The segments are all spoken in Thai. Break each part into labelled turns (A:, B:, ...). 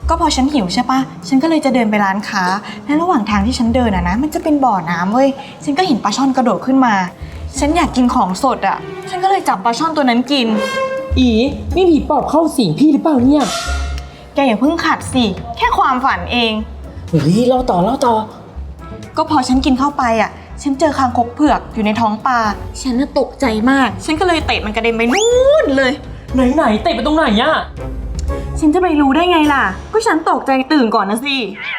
A: ก็พอฉันหิวใช่ปะฉันก็เลยจะเดินไปร้านค้าและระหว่างทางที่ฉันเดินนะมันจะเป็นบ่อน้ำเว้ยฉันก็เห็นปลาช่อนกระโดดขึ้นมาฉันอยากกินของสดอ่ะฉันก็เลยจับปลาช่อนตัวนั้นกิน
B: อีนี่ผีปอบเข้าสิงพี่หรือเปล่าเนี่ย
A: แกอย่าเพิ่งขัดสิแค่ความฝันเอง
B: เฮ้ยเล่าต่อ
A: ก็พอฉันกินเข้าไปอ่ะฉันเจอคางคกเผือกอยู่ในท้องปลาฉันน่ะตกใจมากฉันก็เลยเตะมันกระเด็นไปนู่นเลย
B: ไหนเตะไปตรงไหนอะ
A: ฉันจะไปรู้ได้ไงล่ะก็ฉันตกใจตื่นก่อนนะสิ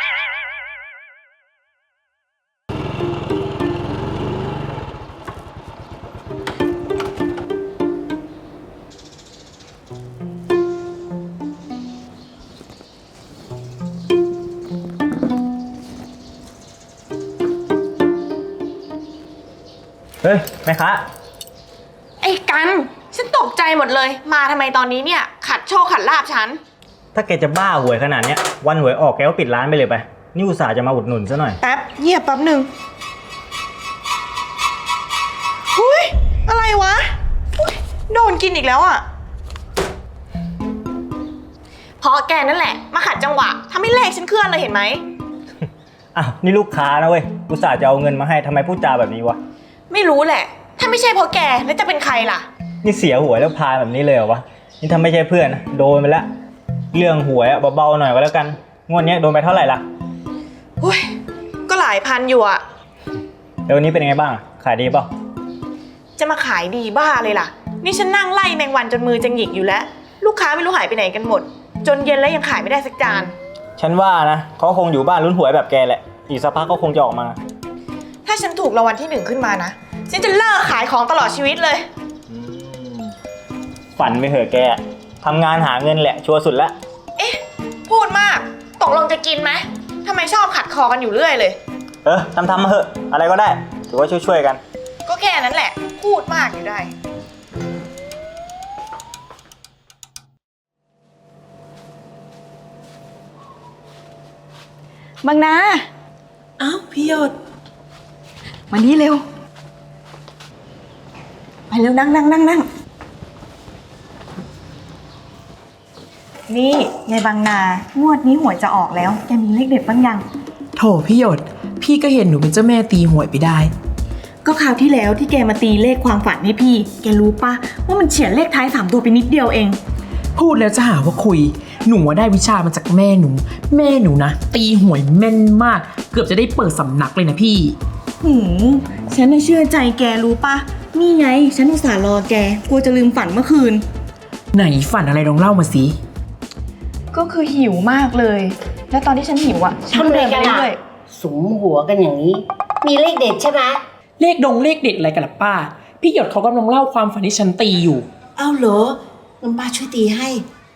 C: เฮ้ยแม่ค้า
A: ไอ้กันฉันตกใจหมดเลยมาทำไมตอนนี้เนี่ยขัดโชคขัดลาบฉัน
C: ถ้าแกจะบ้าหวยขนาดเนี้ยวันหวยออกแกก็ปิดร้านไปเลยไปนี่อุตส่าห์จะมาอุดหนุนซะหน่อย
A: แป๊บเงียบแป๊บหนึ่งหุ้ยอะไรวะโดนกินอีกแล้วอ่ะเพราะแกนั่นแหละมาขัดจังหวะทำให้เลขฉันเคลื่อนเลยเห็นไหม
C: อ้าวนี่ลูกค้านะเว้ยอุตส่าห์จะเอาเงินมาให้ทำไมพูดจาแบบนี้วะ
A: ไม่รู้แหละถ้าไม่ใช่เพราะแกแล้วจะเป็นใครล่ะ
C: นี่เสียหวยแล้วพาแบบนี้เลยเหรอวะนี่ถ้าไม่ใช่เพื่อนนะโดนไปแล้วเรื่องหวยเบาๆหน่อยก็แล้วกันงวดนี้โดนไปเท่าไหร่ล่ะ
A: หุ้ยก็หลายพันอยู่อะ
C: แล้ววันนี้เป็นไงบ้างขายดีเปล่า
A: จะมาขายดีบ้าเลยล่ะนี่ฉันนั่งไล่แมงวันจนมือจะหงิกอยู่แล้วลูกค้าไม่รู้หายไปไหนกันหมดจนเย็นแล้วยังขายไม่ได้สักจาน
C: ฉันว่านะเขาคงอยู่บ้านลุ้นหวยแบบแกแหละอีกสักพักก็คงจะออกมา
A: ถ้าฉันถูกรางวัลที่1ขึ้นมานะฉันจะเลิกขายของตลอดชีวิตเลย
C: ฝันไปเหอะแกทำงานหาเงินแหละชัวร์สุดแล้ว
A: เอ๊ะพูดมากตกลงจะกินไหมทำไมชอบขัดคอกันอยู่เรื่อยเลย
C: ทำมาเหอะอะไรก็ได้ถือว่าช่วยๆกัน
A: ก็แค่นั้นแหละพูดมากอยู่ได้บางนา
B: อ้าวพี่หยด
A: มานี่เร็วไปเร็วนั่งนี่ยายบางนางวดนี้หวยจะออกแล้วแกมีเลขเด็ดบ้างยัง
B: โถพี่หยดพี่ก็เห็นหนูเป็นเจ้าแม่ตีหวยไปได้
A: ก็คราวที่แล้วที่แกมาตีเลขความฝันให้พี่แกรู้ปะว่ามันเฉียดเลขท้าย3ตัวไปนิดเดียวเอง
B: พูดแล้วจะหาว่าคุยหนูได้วิชามาจากแม่หนูนะตีหวยแม่นมากเกือบจะได้เปิดสำนักเลยนะพี่
A: ฉันน่ะเชื่อใจแกรู้ปะนี่ไงฉันอุตส่าห์รอแกกลัวจะลืมฝันเมื่อคืน
B: ไหนฝันอะไรลองเล่ามาสิ
A: ก็คือหิวมากเลยแล้วตอนที่ฉันหิวอ่ะฉันเดินไปเรื่อย
D: สุมหัวกันอย่างนี้มีเลขเด็ดใช่ไหม
B: เลขเด็ดอะไรกันล่ะป้าพี่หยดเขากำลังเล่าความฝันที่ฉันตีอยู่
D: อ้าวเหรองั้นป้าช่วยตีให้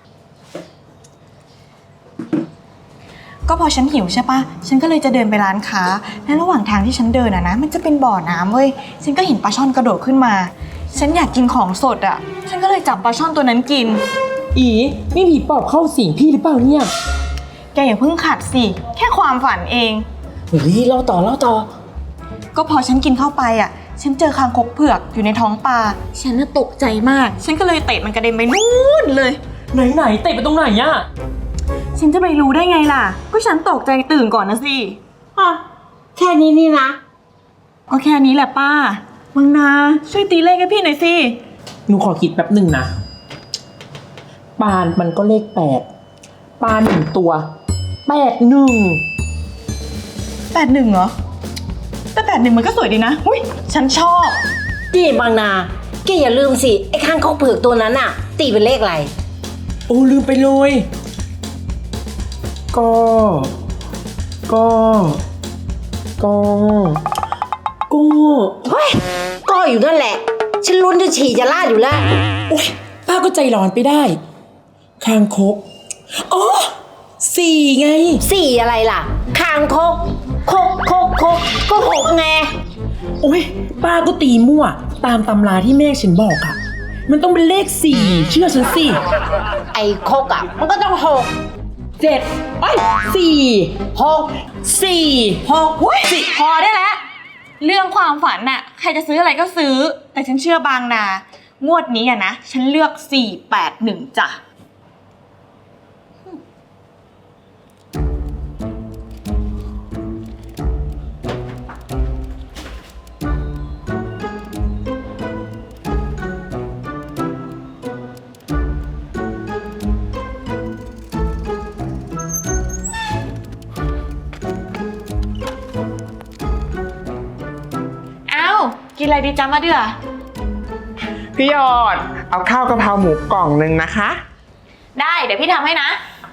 A: ก็พอฉันหิวใช่ปะฉันก็เลยจะเดินไปร้านค้าและระหว่างทางที่ฉันเดินนะมันจะเป็นบ่อน้ำเว้ยฉันก็เห็นปลาช่อนกระโดดขึ้นมาฉันอยากกินของสดอ่ะฉันก็เลยจับปลาช่อนตัวนั้นกิน
B: อีนี่ผีปอบเข้าสิงพี่หรือเปล่าเนี่ย
A: แกอย่าเพิ่งขัดสิแค่ความฝันเอง
B: เฮ้ยเล่าต่อ
A: ก็พอฉันกินเข้าไปอ่ะฉันเจอคางคกเผือกอยู่ในท้องปลาฉันน่ะตกใจมากฉันก็เลยเตะมันกระเด็นไปนู่นเลย
B: ไหนเตะไปตรงไหนอะ
A: ฉันจะไปรู้ได้ไงล่ะก็ฉันตกใจตื่นก่อนนะสิ
D: แค่นี้นี่นะ
A: ก็แค่นี้แหละป้าบางนาช่วยตีเลขให้พี่หน่อยสิ
B: หนูขอคิดแป๊บหนึ่งนะปานมันก็เลข8ปาน1ตัว81
A: เหรอแต่81มันก็สวยดีนะหุ้ยฉันชอบ
D: นี่บางนาแกอย่าลืมสิไอ้ข้างเขาเผือกตัวนั้นอะตีเป็นเลขอะไร
B: โอ้ลืมไปเลยก็
D: เฮ้ยก็อยู่นั่นแหละฉันลุ้นจะฉี่จะลาดอยู่แล้ว
B: โอ๊ยป้าก็ใจร้อนไปได้คางคกอ๋อ4ไง
D: 4อะไรล่ะคางคกก็6ไง
B: โอ๊ยป้าก็ตีมั่วตามตำราที่แม่ฉันบอกอะมันต้องเป็นเลข4เชื่อฉันสิ
D: ไอ้คกอะมันก็ต้อง6
B: 7 4 6
A: หุ้ยพอได้แล้วเรื่องความฝันน่ะใครจะซื้ออะไรก็ซื้อแต่ฉันเชื่อบางนางวดนี้อะนะฉันเลือก481จ้ะอะไรดีจ๊ะมาเดือ
E: พี่หยอด เอาข้าวกะเพราหมูกล่องหนึ่งนะคะ
A: ได้เดี๋ยวพี่ทำให้นะ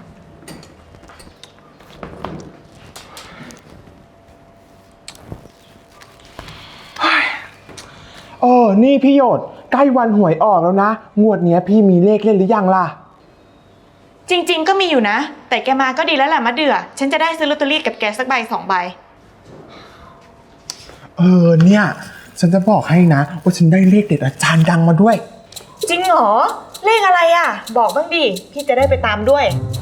E: นี่พี่หยดใกล้วันหวยออกแล้วนะ งวดเนี้ยพี่มีเลขเล่นหรือยังล่ะ
A: จริงๆก็มีอยู่นะ แต่แกมาก็ดีแล้วแหละมาเดือฉันจะได้ซื้อลอตเตอรี่กับแกสักใบ2 ใบ
E: เนี่ย ฉันจะบอกให้นะ ว่าฉันได้เลขเด็ดอาจารย์ดังมาด้วย
A: จริงเหรอเลขอะไรอ่ะ บอกบ้างดิพี่จะได้ไปตามด้วย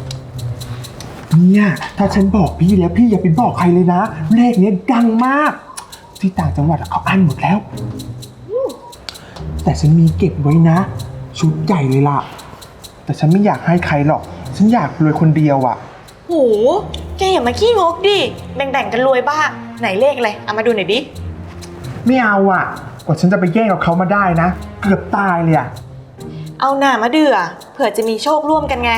E: เนี่ยถ้าฉันบอกพี่แล้วพี่อย่าไปบอกใครเลยนะ เลขเนี้ยดังมาก ที่ต่างจังหวัดเขาอั้นหมดแล้ว แต่ฉันมีเก็บไว้นะ ชุดใหญ่เลยล่ะ แต่ฉันไม่อยากให้ใครหรอก ฉันอยากรวยคนเดียวอ่ะ
A: โหแกอย่ามาขี้งกดิแบ่งๆกันรวยบ้างไหนเลขอะไรเอามาดูหน่อยดิ
E: ไม่เอาอ่ะกว่าฉันจะไปแย่งกับเขามาได้นะ เกือบตายเลยอ่ะ
A: เอาหน่ามาเดือเผื่อจะมีโชคร่วมกันไง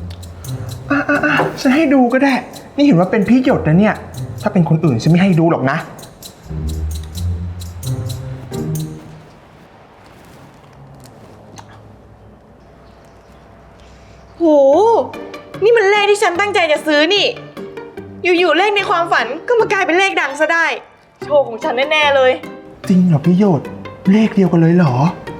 E: ฉันให้ดูก็ได้ นี่เห็นว่าเป็นพี่หยดนะเนี่ย ถ้าเป็นคนอื่นฉันไม่ให้ดูหรอกนะ
A: โห นี่มันเลขที่ฉันตั้งใจจะซื้อนี่ อยู่ๆเลขในความฝันก็มากลายเป็นเลขดังซะได้ โชคของฉันแน่ๆเลย
E: จริงเหรอพี่หยด เลขเดียวกันเลยเหรอ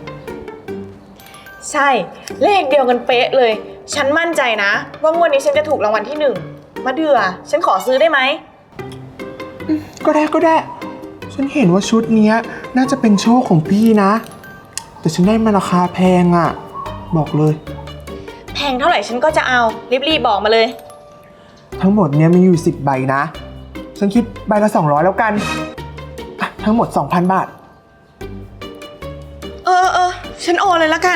A: ใช่ เลขเดียวกันเป๊ะเลย ฉันมั่นใจนะ ว่างวดนี้ฉันจะถูกรางวัลที่1มาเดือฉันขอซื้อได้ไหม
E: ก็ได้ ฉันเห็นว่าชุดเนี้ยน่าจะเป็นโชคของพี่นะ แต่ฉันได้มาราคาแพงอ่ะ บอกเลย
A: แพงเท่าไหร่ฉันก็จะเอารีบๆบอกมาเลย
E: ทั้งหมดเนี้ยมีอยู่10 ใบนะ ฉันคิดใบละ200แล้วกันอ่ะทั้งหมด 2,000 บาท
A: เออฉันโอนเลยละกัน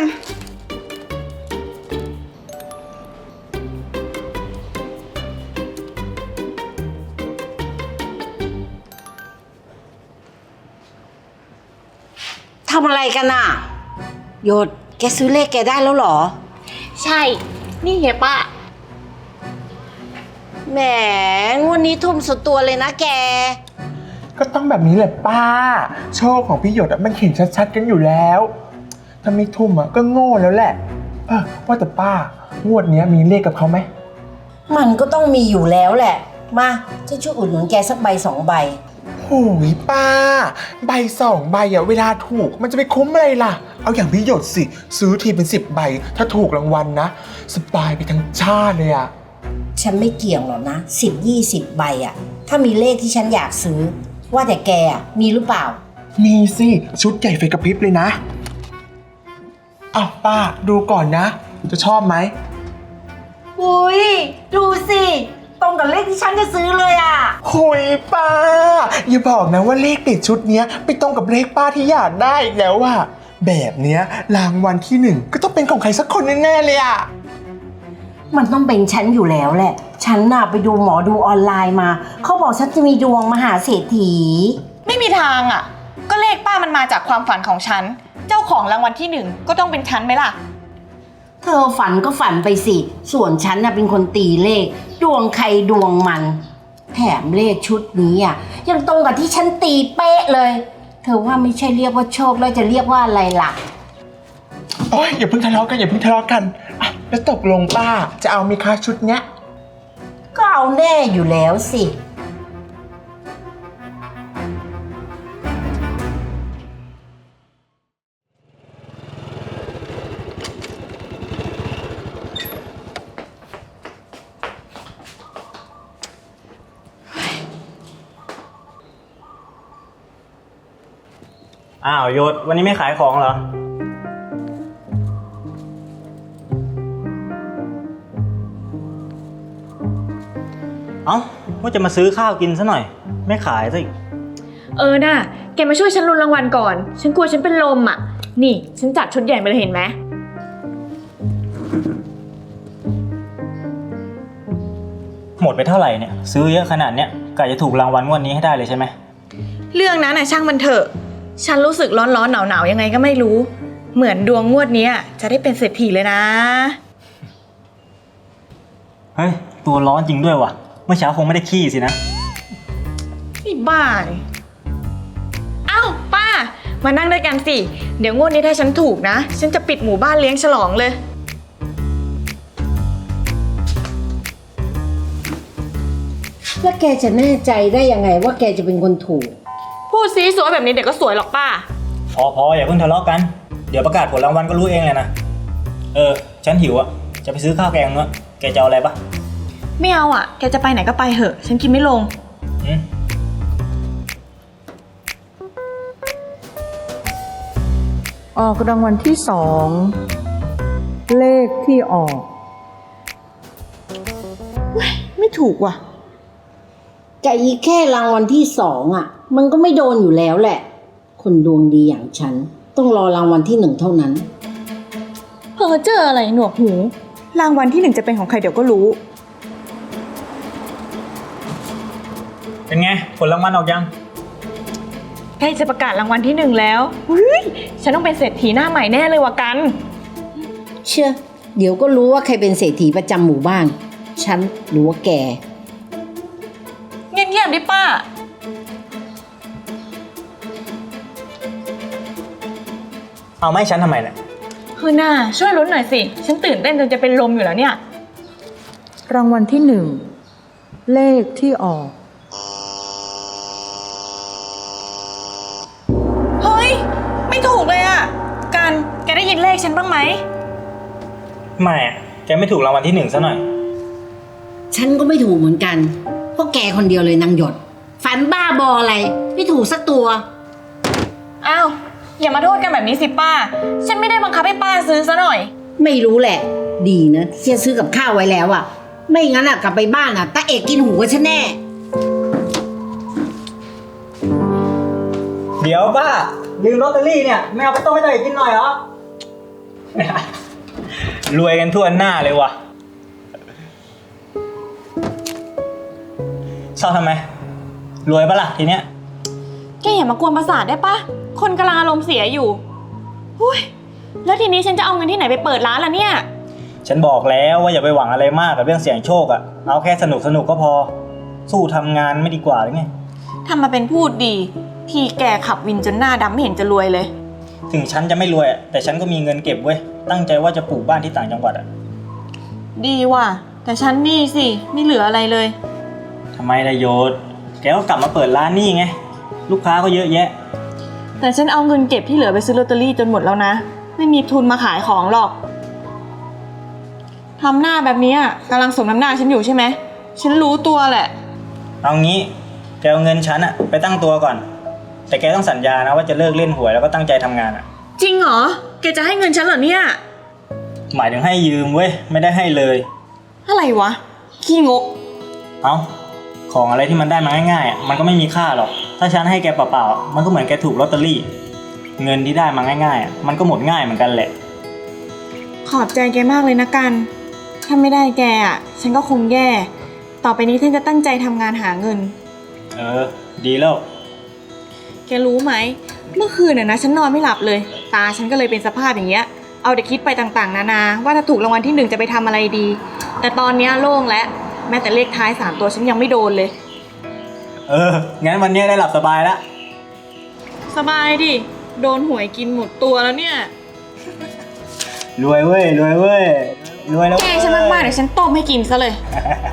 D: ทำอะไรกันน่ะหยดแกซื้อเลขแกได้แล้วเหรอ
A: ใช่ นี่เฮียป้า
D: แหมงวดนี้ทุ่มสุดตัวเลยนะแก
E: ก็ต้องแบบนี้แหละป้า โชคของพี่หยดอะมันเห็นชัดๆกันอยู่แล้ว ถ้าไม่ทุ่มอะก็โง่แล้วแหละว่าแต่ป้างวดเนี้ยมีเลขกับเขาไหม
D: มันก็ต้องมีอยู่แล้วแหละ มาฉันช่วยอุดหนุนแกสักใบ2 ใบ
E: โอ้ยป้า ใบ2 ใบอะเวลาถูกมันจะไปคุ้มอะไรล่ะ เอาอย่างพี่หยดสิ ซื้อทีเป็น10 ใบ ถ้าถูกรางวัลนะสบายไปทั้งชาติเลยอะ
D: ฉันไม่เกี่ยงหรอกนะ10-20 ใบอะถ้ามีเลขที่ฉันอยากซื้อ ว่าแต่แกอะมีหรือเปล่า
E: มีสิชุดใหญ่ไฟกระพริบเลยนะอ้าวป้าดูก่อนนะ จะชอบไหม
D: อุ้ยดูสิตรงกับเลขที่ฉันจะซื้อเลยอ่ะ
E: โอ้ยป้า อย่าบอกนะว่าเลขติดชุดเนี้ยไปตรงกับเลขป้าที่อยากได้อีกแล้วว่ะแบบเนี้ยรางวัลที่1ก็ต้องเป็นของใครสักคนแน่ๆเลยอ่ะ
D: มันต้องเป็นฉันอยู่แล้วแหละ ฉันน่ะไปดูหมอดูออนไลน์มา เขาบอกฉันจะมีดวงมหาเศรษฐี
A: ไม่มีทางอ่ะ ก็เลขป้ามันมาจากความฝันของฉัน เจ้าของรางวัลที่1ก็ต้องเป็นฉันไหมล่ะ
D: เธอฝันก็ฝันไปสิ ส่วนฉันน่ะเป็นคนตีเลข ดวงใครดวงมัน แถมเลขชุดนี้อ่ะยังตรงกับที่ฉันตีเป๊ะเลย เธอว่าไม่ใช่เรียกว่าโชคแล้วจะเรียกว่าอะไรล่ะ
E: โอ้ยอย่าเพิ่งทะเลาะกันอย่าเพิ่งทะเลาะกันอ่ะแล้วตกลงป้าจะเอาไหมคะชุดเนี้ย
D: ก็เอาแน่อยู่แล้วสิ
C: อ้าวโยศวันนี้ไม่ขายของเหรอ เอ้าว่าจะมาซื้อข้าวกินซะหน่อย ไม่ขายซะอีก
A: น่ะแกมาช่วยฉันลุ้นรางวัลก่อน ฉันกลัวฉันเป็นลมอ่ะ นี่ฉันจัดชุดใหญ่มาเลยเห็นไหม
C: หมดไปเท่าไหร่เนี่ย ซื้อเยอะขนาดเนี้ยกะจะถูกรางวัลงวดนี้ให้ได้เลยใช่ไหม
A: เรื่องนั้นน่ะช่างมันเถอะ ฉันรู้สึกร้อนๆหนาวๆยังไงก็ไม่รู้ เหมือนดวงงวดนี้จะได้เป็นเศรษฐีเลยนะ
C: เฮ้ย ตัวร้อนจริงด้วยว่ะ เมื่อเช้าคงไม่ได้ขี้สินะ
A: นี่บ้าเลยอ้าวป้า มมานั่งด้วยกันสิ เดี๋ยวงวดนี้ถ้าฉันถูกนะ ฉันจะปิดหมู่บ้านเลี้ยงฉลองเลย
D: แล้วแกจะแน่ใจได้ยังไงว่าแกจะเป็นคนถูก
A: พูดซีสวยแบบนี้เดี๋ยวก็สวยหรอกป้า
C: พออย่าเพิ่งทะเลาะกัน เดี๋ยวประกาศผลรางวัลก็รู้เองเลยนะ ฉันหิวอะจะไปซื้อข้าวแกงเนอะแกจะเอาอะไรปะ
A: ไม่เอาอ่ะ แกจะไปไหนก็ไปเหอะ ฉันกินไม่ลง
C: อืม
F: ออกรางวัลที่สอง เลขที่ออก
A: ไม่ถูกว่ะ
D: แต่อีกแค่รางวัลที่สองอ่ะ มันก็ไม่โดนอยู่แล้วแหละ คนดวงดีอย่างฉัน ต้องรอรางวัลที่หนึ่งเท่านั้น
A: เพอเจออะไรหนวกหู รางวัลที่หนึ่งจะเป็นของใครเดี๋ยวก็รู้
C: เป็นไงผลรางวัลออกยัง
A: ใกล้จะประกาศรางวัลที่หนึ่งแล้วเฮ้ยฉันต้องเป็นเศรษฐีหน้าใหม่แน่เลยว่ะกัน
D: เชื่อ เดี๋ยวก็รู้ว่าใครเป็นเศรษฐีประจำหมู่บ้าน ฉันหรือว่าแก
A: เงียบๆดิป้า
C: เอาไม่ฉันทำไมเนี่ย
A: คือหน้าช่วยลุ้นหน่อยสิ ฉันตื่นเต้นจนจะเป็นลมอยู่แล้วเนี่ย
F: รางวัลที่หนึ่ง เลขที่ออก
A: เฮ้ย ไม่ถูกเลยอ่ะ กันแกได้ยินเลขฉันบ้างไหม
C: ไม่อะแกไม่ถูกรางวัลที่หนึ่งซะหน่อย
D: ฉันก็ไม่ถูกเหมือนกันเพราะแกคนเดียวเลยนางหยด ฝันบ้าบออะไร ไม่ถูกสักตัว
A: อ้าว อย่ามาโทษกันแบบนี้สิป้า ฉันไม่ได้บังคับให้ป้าซื้อซะหน่อย
D: ไม่รู้แหละ ดีนะที่จะซื้อกับข้าวไว้แล้วอะไม่งั้นอะกลับไปบ้านอะตาเอกกินหูกับฉันแน่
C: เดี๋ยวป้าลืมลอตเตอรี่เนี่ยไม่เอาไปต้มให้ตัวเองกินหน่อยเหรอ รวยกันทั่วหน้าเลยว่ะเศร้าทำไม รวยปะล่ะทีเนี้ย
A: แกอย่ามากวนประสาทได้ปะ คนกำลังอารมณ์เสียอยู่หุ้ย แล้วทีนี้ฉันจะเอาเงินที่ไหนไปเปิดร้านล่ะเนี่ย
C: ฉันบอกแล้วว่าอย่าไปหวังอะไรมากกับเรื่องเสี่ยงโชคอะเอาแค่สนุกก็พอ สู้ทำงานไม่ดีกว่าหรือไง
A: ทำมาเป็นพูดดี ทีแกขับวินจนหน้าดำไม่เห็นจะรวยเลย
C: ถึงฉันจะไม่รวยอะแต่ฉันก็มีเงินเก็บเว้ย ตั้งใจว่าจะปลูกบ้านที่ต่างจังหวัดอะ
A: ดีว่ะ แต่ฉันนี่สิ ไม่เหลืออะไรเลย
C: ทำไมล่ะโยศแกก็กลับมาเปิดร้านนี่ไง ลูกค้าก็เยอะแยะ
A: แต่ฉันเอาเงินเก็บที่เหลือไปซื้อลอตเตอรี่จนหมดแล้วนะ ไม่มีทุนมาขายของหรอกทำหน้าแบบนี้อะกำลังสมน้ำหน้าฉันอยู่ใช่ไหม ฉันรู้ตัวแหละ
C: เอางี้แกเอาเงินฉันอะไปตั้งตัวก่อน แต่แกต้องสัญญานะว่าจะเลิกเล่นหวยแล้วก็ตั้งใจทำงานอะ
A: จริงเหรอ แกจะให้เงินฉันเหรอเนี่ย
C: หมายถึงให้ยืมเว้ยไม่ได้ให้เลย
A: อะไรวะ ขี้งก
C: เอาของอะไรที่มันได้มาง่ายๆอะมันก็ไม่มีค่าหรอก ถ้าฉันให้แกเปล่าๆอะมันก็เหมือนแกถูกลอตเตอรี่ เงินที่ได้มาง่ายๆอะมันก็หมดง่ายเหมือนกันแหละ
A: ขอบใจแกมากเลยนะกัน ถ้าไม่ได้แกอ่ะ ฉันก็คงแย่ ต่อไปนี้ฉันจะตั้งใจทำงานหาเงิน
C: ดีแล้ว
A: แกรู้ไหม เมื่อคืนน่ะนะฉันนอนไม่หลับเลย ตาฉันก็เลยเป็นสภาพอย่างเงี้ย เอาแต่คิดไปต่างๆนานา ว่าถ้าถูกรางวัลที่หนึ่งจะไปทำอะไรดี แต่ตอนเนี้ยโล่งแล้ว แม้แต่เลขท้าย3ตัวฉันยังไม่โดนเลย
C: งั้นวันนี้ได้หลับสบายแล้ว
A: สบายดิ โดนหวยกินหมดตัวแล้วเนี่ย
C: รวยเว้ย รวยแล้ว
A: แกฉันมากๆเดี๋ยวฉันต้มให้กินซะเลย
C: เ